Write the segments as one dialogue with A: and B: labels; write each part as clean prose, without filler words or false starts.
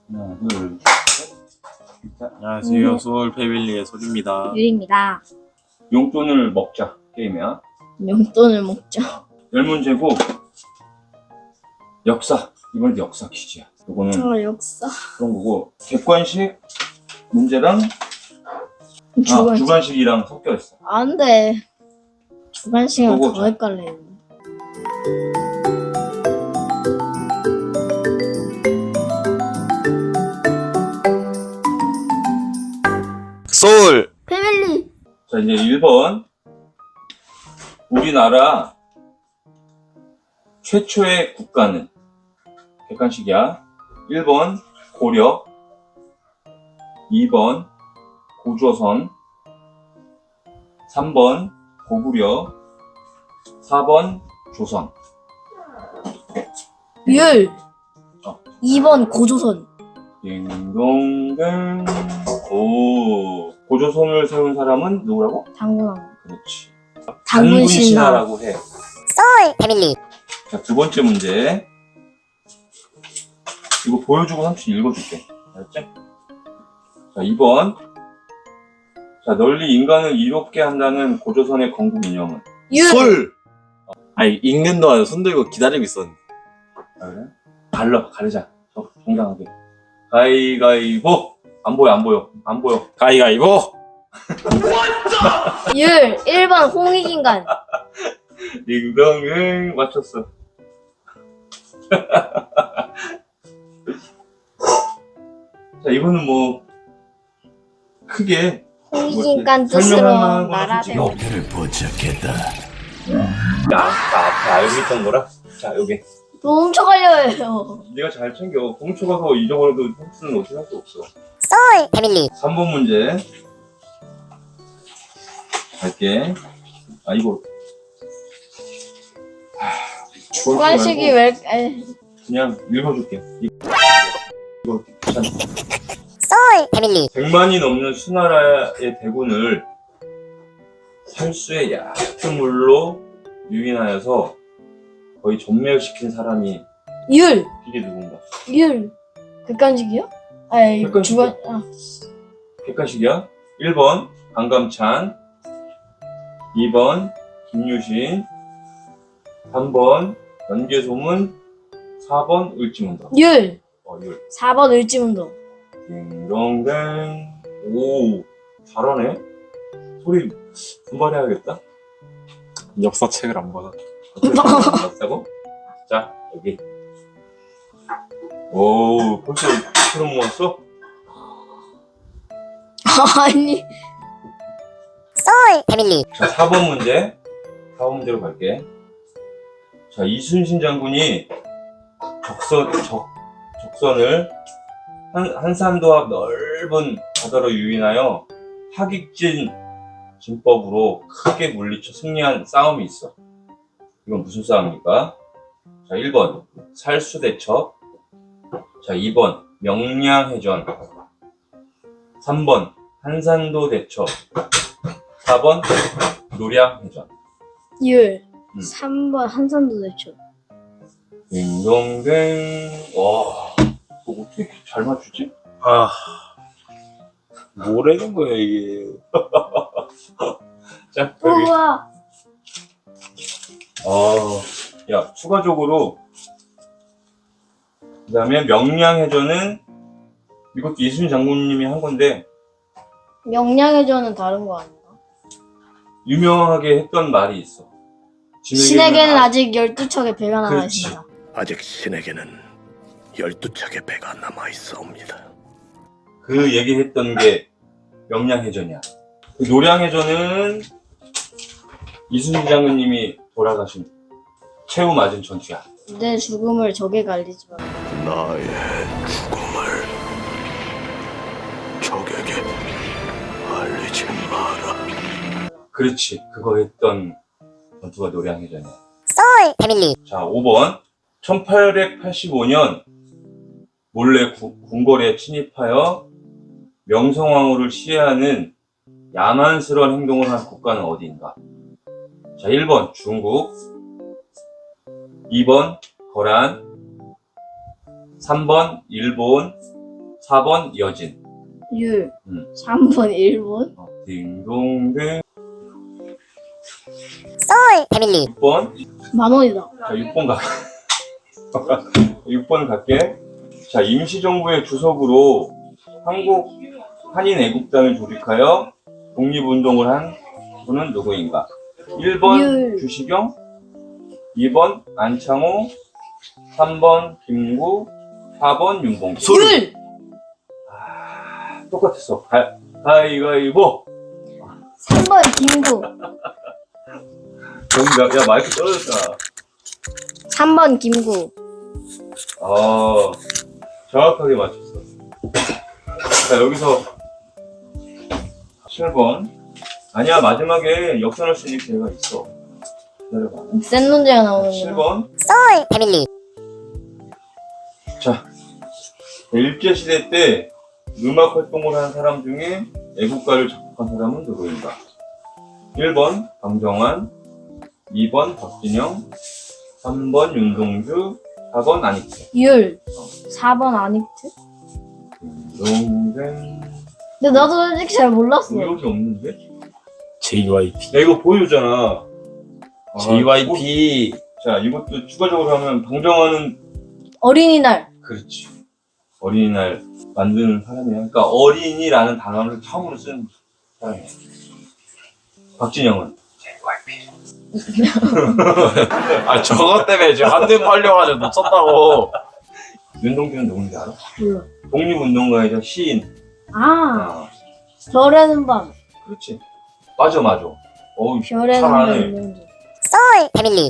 A: 하나, 둘, 셋. 자,
B: 안녕하세요. 소울 패밀리의 소리입니다.
C: 유리입니다.
A: 용돈을 먹자 게임이야.
C: 용돈을 먹죠.
A: 10문제고 역사. 이번에도 역사 퀴즈야. 요거는
C: 역사.
A: 그런 거고 객관식 문제랑
C: 주관.
A: 주관식이랑 섞여 있어.
C: 안 돼. 주관식은
A: 그거
C: 더
A: 자.
C: 헷갈려.
B: 소울!
C: 패밀리.
A: 자, 이제 1번. 우리나라 최초의 국가는 객관식이야. 1번 고려, 2번 고조선, 3번 고구려, 4번 조선.
C: 율.
A: 어.
C: 2번 고조선.
A: 딩동댕. 오. 고조선을 세운 사람은 누구라고?
C: 당군왕.
A: 그렇지.
C: 당군신하.
A: 당군신하라고 해.
C: 소울 패밀리.
A: 자, 두 번째 문제. 이거 보여주고 삼촌 읽어줄게. 알았지? 자, 2번. 자, 널리 인간을 이롭게 한다는 고조선의 건국 이념은?
C: 율.
B: 솔! 아니, 읽는 동안 손 들고 기다리고 있었는데.
A: 아, 그래? 가르자. 정당하게. 가위가위보! 안 보여.
B: 가위가위보!
C: 율. 1번 홍익인간.
A: 딩동댕 맞췄어. 자, 이거는 뭐 크게
C: 홍익인간
A: 설명할
C: 뜻으로
A: 만한 거는
C: 나라를.
A: 솔직히
D: 목표를 포착했다.
A: 나 앞에 알고 있던 거라. 자, 여기
C: 너 훔쳐가려 해요.
A: 네가 잘 챙겨. 훔쳐가서 잊어버려도 훔치는 어떻게 할 수 없어.
C: 소울 패밀리.
A: 3번 문제 갈게. 아, 이거
C: 주관식이 왜?
A: 그냥 읽어줄게. 이거 귀찮아.
C: 소울 패밀리.
A: 100만이 넘는 수나라의 대군을 살수의 얕은 물로 유인하여서 거의 전멸시킨 사람이
C: 율.
A: 이게 누군가?
C: 율. 객관식이요? 아니
A: 객관식이야.
C: 주관.
A: 객관식이야. 1번 강감찬, 2번 김유신, 3번 연개소문, 4번 을지문덕.
C: 율.
A: 율.
C: 4번 을지문덕.
A: 딩동댕. 오, 잘하네. 소리 분발해야겠다.
B: 역사책을 안 받아.
A: 맞다고? 자, 여기. 오, 벌써 그럼 모았어?
C: 아니. 소울 패밀리.
A: 자, 4번 문제. 4번 문제로 갈게. 자, 이순신 장군이 적선을 한산도 앞 넓은 바다로 유인하여 하객진 진법으로 크게 물리쳐 승리한 싸움이 있어. 이건 무슨 싸움입니까? 자, 1번 살수대첩, 자, 2번 명량해전, 3번 한산도 대첩, 4번 노량해전.
C: 율. 3번 한산도 대첩.
A: 딩동댕. 와, 너 어떻게 이렇게 잘 맞추지?
B: 아. 뭐라는 거야, 이게.
A: 자, 여기.
C: 우와.
A: 야, 추가적으로 그 다음에 명량해전은 이것도 이순신 장군님이 한 건데
C: 명량해전은 다른 거 아닌가?
A: 유명하게 했던 말이 있어.
C: 신에게는 아직 12척의 배가 남아
A: 그렇지.
C: 있습니다.
D: 아직 신에게는 12척의 배가 남아 있사옵니다.
A: 그 얘기했던 게 명량해전이야. 그 노량해전은 이순신 장군님이 돌아가신 최후 맞은 전투야.
C: 내 죽음을 적에게 알리지 마.
D: 나의 죽음을 적에게 알리지 마라.
A: 그렇지, 그거 했던 전투가 노량해전이야.
C: 소울 패밀리.
A: 자, 5번 1885년 몰래 궁궐에 침입하여 명성황후를 시해하는 야만스러운 행동을 한 국가는 어디인가? 자, 1번 중국, 2번 거란, 3번 일본, 4번 여진.
C: 율.
A: 3번
C: 일본.
A: 딩동댕.
C: 패밀리.
A: 6번.
C: 만원이다.
A: 자, 6번 가. 6번 갈게. 자, 임시정부의 주석으로 한국 한인 애국단을 조직하여 독립운동을 한 분은 누구인가? 1번
C: 율.
A: 주시경, 2번 안창호, 3번 김구, 4번 윤봉길.
C: 율.
A: 똑같았어. 가위가위보.
C: 3번 김구.
A: 정답. 야, 마이크 떨어졌잖아.
C: 3번 김구.
A: 정확하게 맞췄어. 자, 여기서 7번. 아니야, 마지막에 역전할 수 있는 기회가 있어. 기다려봐.
C: 센 문제가 나오는구나.
A: 7번.
C: 패밀리.
A: 자, 일제시대 때 음악 활동을 한 사람 중에 애국가를 작곡한 사람은 누구인가? 1번 강정환, 2번 박진영, 3번 윤동주, 4번 안익태.
C: 율. 4번 아닉트?
A: 윤동생.
C: 근데 나도 솔직히 잘 몰랐어.
A: 여기 없는데?
B: JYP.
A: 야, 이거 보여주잖아.
B: JYP.
A: 자, 이것도 추가적으로 하면 방정환은
C: 어린이날.
A: 그렇지. 어린이날 만드는 사람이야. 그러니까 어린이라는 단어를 처음으로 쓴 사람이야. 박진영은 JYP.
B: 아 저것 때문에 지금 한대 팔려가지고 놓쳤다고.
A: 윤동주는 누군지 알아?
C: 몰라.
A: 독립운동가이자 시인.
C: 아, 별에는 밤.
A: 그렇지. 맞아. 어우,
C: 별에는
A: 잘하네.
C: 밤. 소울 패밀리.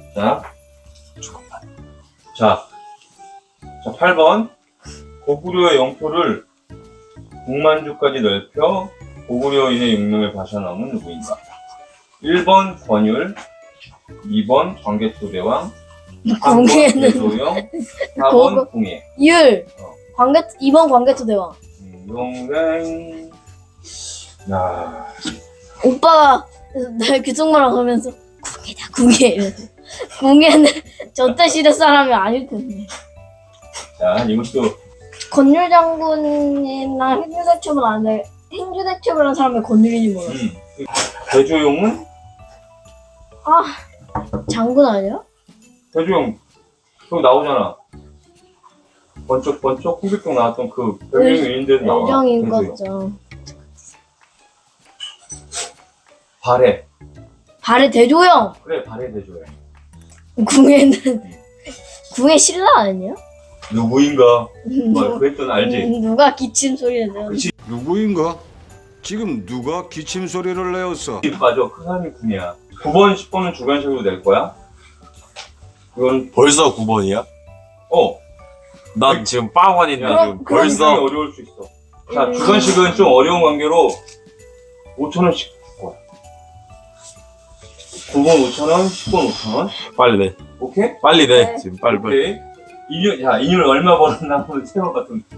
A: 자, 8번. 고구려의 영토를 북만주까지 넓혀 고구려인의 육명을 바쳐넘은 누구인가? 1번 권율, 2번 광개토대왕, 3번
C: 공예는
A: 대소영, 4번 궁예.
C: 율. 2번 광개토 대왕.
A: 용맹. 야,
C: 오빠가 내 귀속말을 하면서 궁예다 궁예 이러면서. 궁예는 저때 시대 사람이 아닐 텐데.
A: 자, 이것도
C: 권율 장군이나 행주대첩을 안 해. 행주대첩을 한 사람이 권율인지 몰라.
A: 대조용은?
C: 장군 아니야?
A: 대조용 그거 나오잖아. 번쩍 홍길동 나왔던 그 별명이 있는데도 나와.
C: 일정인
A: 대조용.
C: 거죠.
A: 발해.
C: 발의 대조영.
A: 그래, 발해 대조용.
C: 궁예는 궁예 신라 아니야?
A: 누구인가? 그랬던 알지?
C: 누가 기침 소리를 내요?
A: 그치.
E: 누구인가? 지금 누가 기침 소리를 내었어?
A: 맞아. 그 사람이 궁이야. 9번, 10번은 주관식으로 낼 거야. 이건
B: 벌써 9번이야? 난 지금 빵원인데
C: 그럼-
B: 지금
A: 굉장히
B: 벌써.
A: 어려울 수 있어. 자, 주관식은 좀 어려운 관계로 5,000원씩 줄 거야. 9번 5,000원, 10번 5,000원.
B: 빨리 내.
A: 오케이?
B: 빨리 내.
C: 네.
B: 지금 빨리.
A: 오케이. 인율 얼마 벌었나 한번 세워봐. 좀.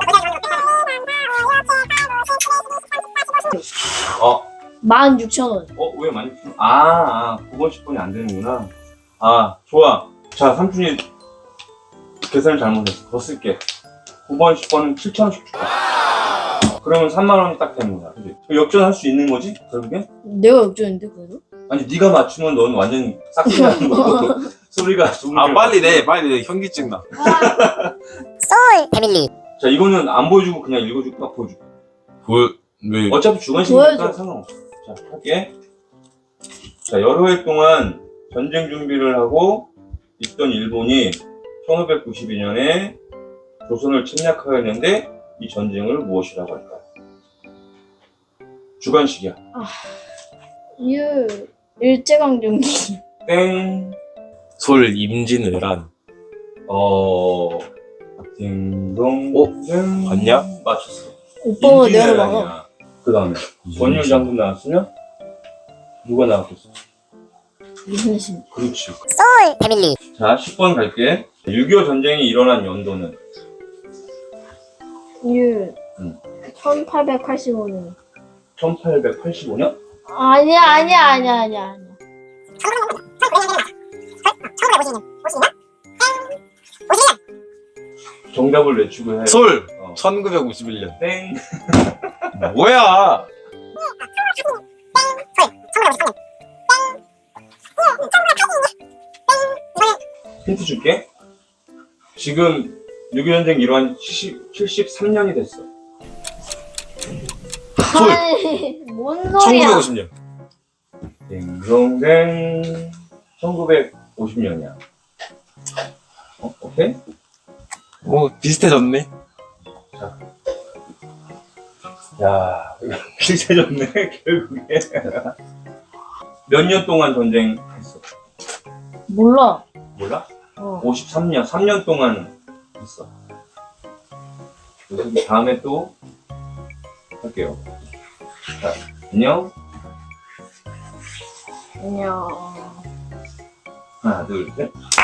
C: 16,000원.
A: 왜 많이 주 9번, 10번이 안 되는구나. 좋아. 자, 삼촌이 계산을 잘못했어. 더 쓸게. 9번, 10번은 7,000원씩 줄게. 그러면 3만원이 딱 되는 거야. 그치? 역전할 수 있는 거지? 결국엔?
C: 내가 역전인데 그래도?
A: 아니, 네가 맞추면 넌 완전 싹이 나는 거고. 소리가
B: 빨리 내. 빨리 내. 현기증 나.
C: 소울 패밀리.
A: 자, 이거는 안 보여주고 그냥 읽어주고 딱 보여줄게.
B: 왜?
A: 어차피 주관식이니까
C: 보여줘.
A: 상관없어. 자, 할게. 자, 여러 해 동안 전쟁 준비를 하고 있던 일본이 1592년에 조선을 침략하였는데 이 전쟁을 무엇이라고 할까요? 주관식이야.
C: 일제강점기.
A: 땡.
B: 솔 임진왜란.
A: 딩동.
B: 맞냐?
A: 맞췄어.
C: 오빠가 내가 막아.
A: 그 다음에 권율 장군 나왔으면 누가 나왔겠어?
C: 이순신.
A: 그렇지.
C: 소울 패밀리.
A: 자, 10번 갈게. 6.25 전쟁이 일어난 연도는?
C: 1885년.
A: 1885년?
C: 아니야.
A: 정답을 외치고 해.
B: 솔. 1951년.
A: 땡.
B: 뭐야?
A: 힌트 줄게. 지금 6.25 전쟁 일어난 73년이 됐어.
B: 솔.
C: 아니, 뭔 소리야?
B: 1950년.
A: 딩동댕 1950년이야. 오케이?
B: 비슷해졌네.
A: 야, 이거 비슷해졌네, 결국에. 몇 년 동안 전쟁했어?
C: 몰라.
A: 몰라?
C: 어.
A: 53년, 3년 동안 했어. 그래서 다음에 또 할게요. 자, 안녕.
C: 안녕.
A: 하나, 둘, 셋.